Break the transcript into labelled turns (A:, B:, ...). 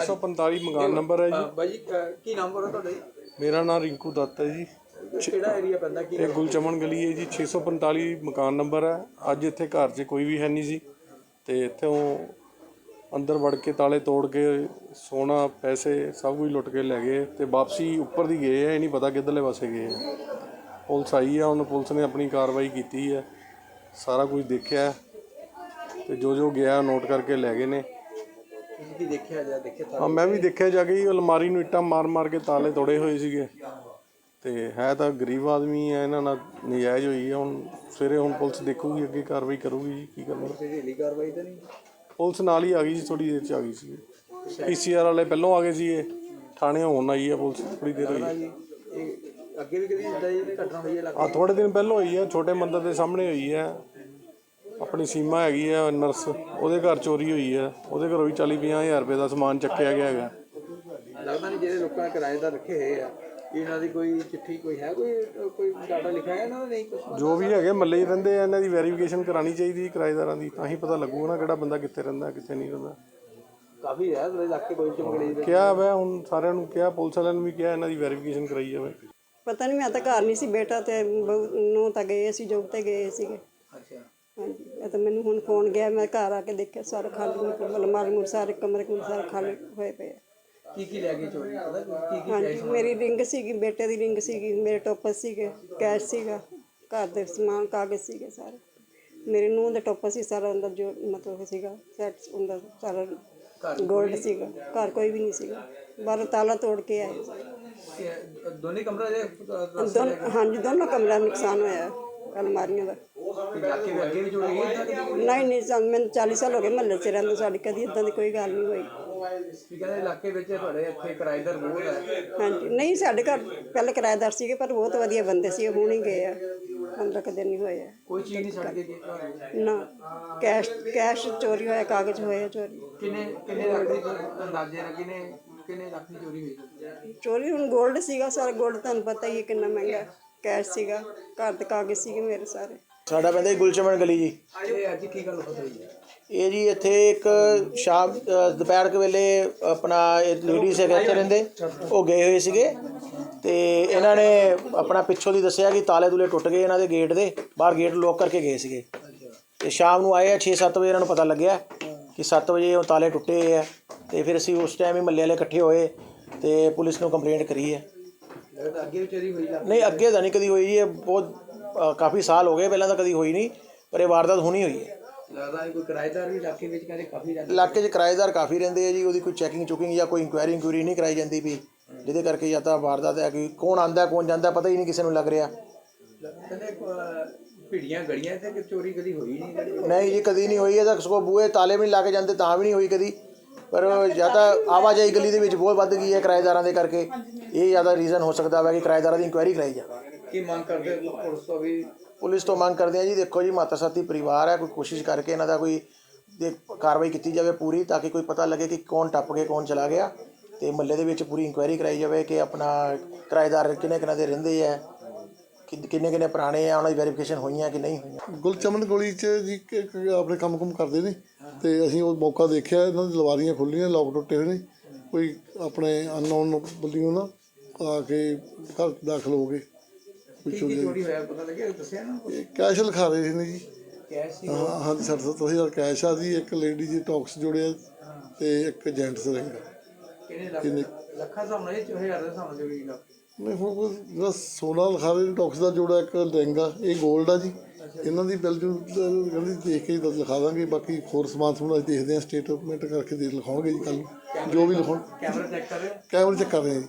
A: 645 मकान नंबर है जी।
B: भाई की नाम बोलो ਤੁਹਾਡਾ?
A: मेरा नाम रिंकू दत्त है जी।
B: ਕਿਹੜਾ ਏਰੀਆ ਪੈਂਦਾ ਕੀ?
A: ਇਹ ਗੁਲਚਮਨ ਗਲੀ ਹੈ ਜੀ। 645 ਮਕਾਨ ਨੰਬਰ ਹੈ। ਅੱਜ ਇੱਥੇ ਘਰ 'ਚ ਕੋਈ ਵੀ ਹੈ ਨਹੀਂ ਸੀ ਤੇ ਇੱਥੋਂ ਅੰਦਰ ਵੜ ਕੇ ਤਾਲੇ ਤੋੜ ਕੇ ਸੋਨਾ ਪੈਸੇ ਸਭ ਕੁਝ ਲੁੱਟ ਕੇ ਲੈ ਗਏ ਤੇ ਵਾਪਸੀ ਉੱਪਰ ਦੀ ਗਏ ਆ। ਇਹ ਨਹੀਂ ਪਤਾ ਕਿੱਧਰਲੇ ਪਾਸੇ ਗਏ ਆ। ਪੁਲਿਸ ਆਈ ਆ, ਹੁਣ ਪੁਲਿਸ ਨੇ ਆਪਣੀ ਕਾਰਵਾਈ ਕੀਤੀ ਹੈ, ਸਾਰਾ ਕੁਝ ਦੇਖਿਆ ਤੇ ਜੋ ਗਿਆ ਨੋਟ ਕਰਕੇ ਲੈ ਗਏ ਨੇ।
B: ਕੀ ਦੇਖਿਆ ਜਾ ਦੇਖਿਆ?
A: ਹਾਂ, ਮੈਂ ਵੀ ਦੇਖਿਆ ਜਾ ਕੇ। ਅਲਮਾਰੀ ਨੂੰ ਇੱਟਾਂ ਮਾਰ ਕੇ ਤਾਲੇ ਤੋੜੇ ਹੋਏ ਸੀਗੇ ਤੇ ਹੈ ਤਾਂ ਗਰੀਬ ਆਦਮੀ ਹੈ, ਇਹਨਾਂ ਨਾਲ ਨਜਾਇਜ਼ ਹੋਈ ਹੈ। ਹੁਣ ਸਵੇਰੇ ਹੁਣ ਪੁਲਿਸ ਦੇਖੂਗੀ, ਅੱਗੇ ਕਾਰਵਾਈ ਕਰੂਗੀ ਜੀ। ਕੀ ਕਰਨਾ?
B: ਢਿੱਲੀ ਕਾਰਵਾਈ ਤਾਂ ਨਹੀਂ?
A: ਪੁਲਿਸ ਨਾਲ ਹੀ ਆ ਗਈ ਜੀ, ਥੋੜੀ ਦੇਰ 'ਚ ਆ ਗਈ ਸੀ। PCR ਵਾਲੇ ਪਹਿਲੋਂ ਆ ਗਏ ਸੀ, ਥਾਣੇ ਹੋਣ ਆਈ ਆ ਪੁਲਿਸ ਥੋੜੀ ਦੇਰ ਹੋਈ।
B: ਅੱਗੇ ਵੀ ਕਦੀ ਇਦਾਂ ਦੀ ਘਟਨਾ ਹੋਈ ਹੈ?
A: ਆ ਥੋੜੇ ਦਿਨ ਪਹਿਲਾਂ ਹੋਈ ਹੈ, ਛੋਟੇ ਮੰਦਰ ਦੇ ਸਾਹਮਣੇ ਹੋਈ ਹੈ। ਆਪਣੀ ਸੀਮਾ ਹੈਗੀ ਆ ਨਰਸ, ਉਹਦੇ ਘਰ ਚੋਰੀ ਹੋਈ ਹੈ। ਉਹਦੇ ਘਰੋਂ ਵੀ 40-50 ਹਜ਼ਾਰ ਰੁਪਏ ਦਾ ਸਮਾਨ ਚੱਕਿਆ ਗਿਆ ਹੈਗਾ।
B: ਲੱਗਦਾ ਨਹੀਂ ਜਿਹੜੇ ਲੋਕਾਂ ਨੇ ਕਿਰਾਏਦਾਰ ਰੱਖੇ ਹੋਏ ਆ, ਇਹਨਾਂ ਦੀ ਕੋਈ ਚਿੱਠੀ ਕੋਈ ਹੈ, ਕੋਈ ਡਾਟਾ ਲਿਖਿਆ ਹੈ ਇਹਨਾਂ ਦਾ? ਨਹੀਂ ਕੁਛ। ਜੋ
A: ਵੀ ਹੈਗੇ ਮੱਲੇ 'ਚ ਰਹਿੰਦੇ ਆ, ਇਹਨਾਂ ਦੀ ਵੈਰੀਫਿਕੇਸ਼ਨ ਕਰਾਉਣੀ ਚਾਹੀਦੀ ਕਿਰਾਏਦਾਰਾਂ ਦੀ, ਤਾਂ ਹੀ ਪਤਾ ਲੱਗੂਗਾ ਨਾ ਕਿਹੜਾ ਬੰਦਾ ਕਿੱਥੇ ਰਹਿੰਦਾ ਕਿੱਥੇ ਨਹੀਂ ਰਹਿੰਦਾ।
B: ਕਾਫੀ ਹੈ ਇਲਾਕੇ ਕੋਈ ਚਮਕੜੀ
A: ਕਿਹਾ ਵਾ, ਹੁਣ ਸਾਰਿਆਂ ਨੂੰ ਕਿਹਾ, ਪੁਲਿਸ ਵਾਲਿਆਂ ਨੂੰ ਵੀ ਕਿਹਾ ਇਹਨਾਂ ਦੀ ਵੈਰੀਫਿਕੇਸ਼ਨ ਕਰਾਈ ਜਾਵੇ।
C: ਪਤਾ ਨਹੀਂ, ਮੈਂ ਤਾਂ ਘਰ ਨਹੀਂ ਸੀ, ਬੇਟਾ ਤੇ ਨੂੰ ਤਾਂ ਗਏ ਸੀ, ਜੋਬ ਤੇ ਗਏ ਸੀਗੇ।
B: ਅੱਛਾ।
C: ਹਾਂਜੀ, ਇਹ ਤਾਂ ਮੈਨੂੰ ਹੁਣ ਫੋਨ ਗਿਆ, ਮੈਂ ਘਰ ਆ ਕੇ ਦੇਖਿਆ ਸਾਰਾ ਖਾਲੀ, ਅਲਮਾਰੀ ਸਾਰੇ ਕਮਰੇ ਸਾਰੇ ਖਾਲੀ ਹੋਏ ਪਏ ਆ।
B: ਕੀ ਲੈ ਗਏ ਚੋਰੀ? ਪਤਾ
C: ਹਾਂਜੀ, ਮੇਰੀ ਰਿੰਗ ਸੀਗੀ, ਬੇਟੇ ਦੀ ਰਿੰਗ ਸੀਗੀ, ਮੇਰੇ ਟੋਪਸ ਸੀਗੇ, ਕੈਸ਼ ਸੀਗਾ, ਘਰ ਦੇ ਸਮਾਨ ਕਾਗਜ਼ ਸੀਗੇ ਸਾਰੇ। ਮੇਰੇ ਨੂੰਹ ਦੇ ਟੋਪਸ ਸੀ ਸਾਰਾ ਅੰਦਰ, ਜੋ ਮਤਲਬ ਸੀਗਾ ਸੈਟ ਅੰਦਰ ਸਾਰਾ ਗੋਲਡ ਸੀਗਾ। ਘਰ ਕੋਈ ਵੀ ਨਹੀਂ ਸੀਗਾ, ਬਾਹਰੋਂ ਤਾਲਾ ਤੋੜ ਕੇ ਆਏ।
B: ਦੋਨੇ ਕਮਰੇ
C: ਹਾਂਜੀ, ਦੋਨੋਂ ਕਮਰਿਆਂ ਦਾ ਨੁਕਸਾਨ ਹੋਇਆ, ਅਲਮਾਰੀਆਂ ਦਾ।
B: ਅੱਗੇ ਵੀ ਚੋਰੀ ਹੋਈ?
C: ਨਹੀਂ, ਮੈਨੂੰ 40 ਸਾਲ ਹੋ ਗਏ ਮਹੱਲੇ 'ਚ ਰਹਿੰਦੇ, ਸਾਡੀ ਕਦੀ ਇੱਦਾਂ ਦੀ ਕੋਈ ਗੱਲ ਨਹੀਂ ਹੋਈ।
B: ਕਹਿੰਦੇ ਇਲਾਕੇ ਵਿੱਚ ਤੁਹਾਡੇ ਇੱਥੇ ਕਿਰਾਏਦਾਰ ਬਹੁਤ ਹੈ? ਹਾਂਜੀ,
C: ਨਹੀਂ, ਸਾਡੇ ਘਰ ਪਹਿਲੇ ਕਿਰਾਏਦਾਰ ਸੀਗੇ, ਪਰ ਬਹੁਤ ਵਧੀਆ ਬੰਦੇ ਸੀ, ਹੁਣ ਹੀ ਗਏ ਆ, 15 ਕੁ ਦਿਨ ਹੀ ਹੋਏ ਆ।
B: ਕੋਈ ਚੀਜ਼ ਨਹੀਂ ਛੱਡ ਕੇ ਗਏ?
C: ਨਾ, ਕੈਸ਼ ਚੋਰੀ ਹੋਇਆ, ਕਾਗਜ਼ ਹੋਏ ਚੋਰੀ।
B: ਕਿੰਨੇ ਲੱਖ ਦੀ ਅੰਦਾਜ਼ੇ ਨਾਲ ਕਿੰਨੇ ਲੱਖ ਦੀ ਚੋਰੀ ਹੋਈ?
C: ਚੋਰੀ ਹੁਣ ਗੋਲਡ ਸੀਗਾ ਸਾਰਾ, ਗੋਲਡ ਤੁਹਾਨੂੰ ਪਤਾ ਹੀ ਹੈ ਕਿੰਨਾ ਮਹਿੰਗਾ। ਕੈਸ਼ ਸੀਗਾ, ਘਰ ਦੇ ਕਾਗਜ਼ ਸੀਗੇ ਮੇਰੇ ਸਾਰੇ।
D: ਸਾਡਾ ਪੈਂਦਾ ਜੀ ਗੁਲਚਮਨ ਗਲੀ ਜੀ।
B: ਇਹ ਅੱਜ ਕੀ ਗੱਲ ਹੋਈ ਹੈ?
D: ਇਹ ਜੀ ਇੱਥੇ ਇੱਕ ਸ਼ਾਮ ਦੁਪਹਿਰ ਕੇ ਵੇਲੇ ਆਪਣਾ ਲੇਡੀਜ਼ ਹੈਗੇ ਇੱਥੇ ਰਹਿੰਦੇ, ਉਹ ਗਏ ਹੋਏ ਸੀਗੇ ਤੇ ਇਹਨਾਂ ਨੇ ਆਪਣਾ ਪਿੱਛੋਂ ਦੀ ਦੱਸਿਆ ਕਿ ਤਾਲੇ ਤੂਲੇ ਟੁੱਟ ਗਏ ਇਹਨਾਂ ਦੇ ਗੇਟ ਦੇ, ਬਾਹਰ ਗੇਟ ਲੋਕ ਕਰਕੇ ਗਏ ਸੀਗੇ। ਤੇ ਸ਼ਾਮ ਨੂੰ ਆਏ ਆ 6-7 ਵਜੇ, ਇਹਨਾਂ ਨੂੰ ਪਤਾ ਲੱਗਿਆ ਕਿ 7 ਵਜੇ ਉਹ ਤਾਲੇ ਟੁੱਟੇ ਹੋਏ ਆ। ਤੇ ਫਿਰ ਅਸੀਂ ਉਸ ਟਾਈਮ ਹੀ ਮਹੱਲੇ ਵਾਲੇ ਇਕੱਠੇ ਹੋਏ ਤੇ ਪੁਲਿਸ ਨੂੰ ਕੰਪਲੇਂਟ ਕਰੀ ਹੈ।
B: ਅੱਗੇ ਵੀ ਚੋਰੀ ਹੋਈ?
D: ਨਹੀਂ, ਅੱਗੇ ਤਾਂ ਨਹੀਂ ਕਦੀ ਹੋਈ ਜੀ, ਇਹ ਬਹੁਤ ਕਾਫੀ ਸਾਲ ਹੋ ਗਏ, ਪਹਿਲਾਂ ਤਾਂ ਕਦੀ ਹੋਈ ਨਹੀਂ, ਪਰ ਇਹ ਵਾਰਦਾਤ ਹੋਣੀ ਹੋਈ ਹੈ।
B: ਲੱਗਦਾ ਕੋਈ ਕਿਰਾਏਦਾਰ ਵੀ ਇਲਾਕੇ ਵਿੱਚ ਕਹਿੰਦੇ ਕਾਫੀ
D: ਇਲਾਕੇ 'ਚ ਕਿਰਾਏਦਾਰ ਕਾਫੀ ਰਹਿੰਦੇ ਆ ਜੀ, ਉਹਦੀ ਕੋਈ ਚੈਕਿੰਗ ਜਾਂ ਕੋਈ ਇਨਕੁਆਇਰੀ ਨਹੀਂ ਕਰਾਈ ਜਾਂਦੀ ਵੀ, ਜਿਹਦੇ ਕਰਕੇ ਜਾਂ ਤਾਂ ਵਾਰਦਾਤ ਹੈ ਕਿ ਕੌਣ ਆਉਂਦਾ ਕੌਣ ਜਾਂਦਾ ਪਤਾ ਹੀ ਨਹੀਂ ਕਿਸੇ ਨੂੰ ਲੱਗ ਰਿਹਾ।
B: ਕਹਿੰਦੇ ਭੀੜੀਆਂ ਗਲੀਆਂ ਤੇ ਚੋਰੀ ਕਦੀ ਹੋਈ
D: ਨਹੀਂ ਜੀ, ਕਦੀ ਨਹੀਂ ਹੋਈ। ਇਹਦਾ ਸਗੋਂ ਬੂਹੇ ਤਾਲੇ ਵੀ ਨਹੀਂ ਲਾ ਕੇ ਜਾਂਦੇ ਤਾਂ ਵੀ ਨਹੀਂ ਹੋਈ ਕਦੀ, ਪਰ ਜਾਂ ਤਾਂ ਆਵਾਜਾਈ ਗਲੀ ਦੇ ਵਿੱਚ ਬਹੁਤ ਵੱਧ ਗਈ ਹੈ ਕਿਰਾਏਦਾਰਾਂ ਦੇ ਕਰਕੇ, ਇਹ ਜ਼ਿਆਦਾ ਰੀਜ਼ਨ ਹੋ ਸਕਦਾ ਵਾ ਕਿ ਕਿਰਾਏਦਾਰਾਂ ਦੀ ਇਨਕੁਆਇਰੀ ਕਰਾਈ ਜਾਵੇ।
B: ਕੀ ਮੰਗ ਕਰਦੇ ਪੁਲਿਸ ਤੋਂ? ਵੀ
D: ਪੁਲਿਸ ਤੋਂ ਮੰਗ ਕਰਦੇ ਆ ਜੀ, ਦੇਖੋ ਜੀ ਮਾਤਾ ਸਾਥੀ ਪਰਿਵਾਰ ਹੈ, ਕੋਈ ਕੋਸ਼ਿਸ਼ ਕਰਕੇ ਇਹਨਾਂ ਦਾ ਕੋਈ ਕਾਰਵਾਈ ਕੀਤੀ ਜਾਵੇ ਪੂਰੀ, ਤਾਂ ਕਿ ਕੋਈ ਪਤਾ ਲੱਗੇ ਕਿ ਕੌਣ ਟੱਪ ਕੇ ਕੌਣ ਚਲਾ ਗਿਆ, ਤੇ ਮਹੱਲੇ ਦੇ ਵਿੱਚ ਪੂਰੀ ਇਨਕੁਆਇਰੀ ਕਰਾਈ ਜਾਵੇ ਕਿ ਆਪਣਾ ਕਿਰਾਏਦਾਰ ਕਿੰਨੇ ਦੇ ਰਹਿੰਦੇ ਆ, ਕਿੰਨੇ ਪੁਰਾਣੇ ਆ, ਉਹਨਾਂ ਦੀ ਵੈਰੀਫਿਕੇਸ਼ਨ ਹੋਈਆਂ ਕਿ ਨਹੀਂ ਹੋਈਆਂ।
E: ਗੁਲਚਮਨ ਗਲੀ 'ਚ ਜੀ ਆਪਣੇ ਕੰਮ ਕਰਦੇ ਨੇ ਤੇ ਅਸੀਂ ਉਹ ਮੌਕਾ ਦੇਖਿਆ, ਇਹਨਾਂ ਦੀ ਲਵਾਰੀਆਂ ਖੁੱਲ੍ਹੀਆਂ, ਲੋਕ ਟੁੱਟੇ ਹੋਏ ਨੇ, ਕੋਈ ਆਪਣੇ ਅਨਨੋਨ ਬੰਦਿਓ ਨਾ ਆ ਕੇ ਘਰ ਦਾਖਲ ਹੋ ਗਏ।
B: ਚੋਰੀ ਹੋਇਆ ਪਤਾ ਲੱਗਿਆ? ਦੱਸਿਆ ਨਾ
E: ਕੈਸ਼ ਲਿਖਾ ਰਹੇ ਸੀ ਨੇ ਜੀ।
B: ਕੈਸ਼ ਸੀ?
E: ਹਾਂ, ਹਾਂਜੀ, 60-70 ਕੈਸ਼ ਆ ਜੀ, ਇੱਕ ਲੇਡੀ ਜੀ ਟੌਕਸ ਜੋੜਿਆ ਤੇ ਇੱਕ ਜੈਂਟਸ ਰਿੰਗ।
B: ਕਿੰਨੇ ਲੱਖਾਂ ਹਿਸਾਬ ਨਾਲ? 1000 ਦੇ ਹਿਸਾਬ ਨਾਲ ਚੋਰੀ ਲੱਖ?
E: ਨਹੀਂ, ਹੁਣ ਜਿਹੜਾ 16 ਲਿਖਾ ਰਹੇ ਟੌਕਸ ਦਾ ਜੋੜਾ, ਇੱਕ ਰਿੰਗ ਆ, ਇਹ ਗੋਲਡ ਆ ਜੀ। ਇਹਨਾਂ ਦੀ ਬਿੱਲ ਕਹਿੰਦੀ ਦੇਖ ਕੇ ਲਿਖਾ ਦਾਂਗੇ, ਬਾਕੀ ਹੋਰ ਸਮਾਨ ਸਮੂਨ ਅਸੀਂ ਦੇਖਦੇ ਹਾਂ, ਸਟੇਟਮੈਂਟ ਕਰਕੇ ਲਿਖਾਉਣਗੇ ਜੀ ਕੱਲ੍ਹ ਨੂੰ ਜੋ ਵੀ ਲਿਖਾਉਣ।
B: ਕੈਮਰਾ ਚੈੱਕ ਕਰ ਰਹੇ?
E: ਕੈਮਰੇ ਚੈੱਕ ਕਰ ਰਹੇ ਹਾਂ ਜੀ।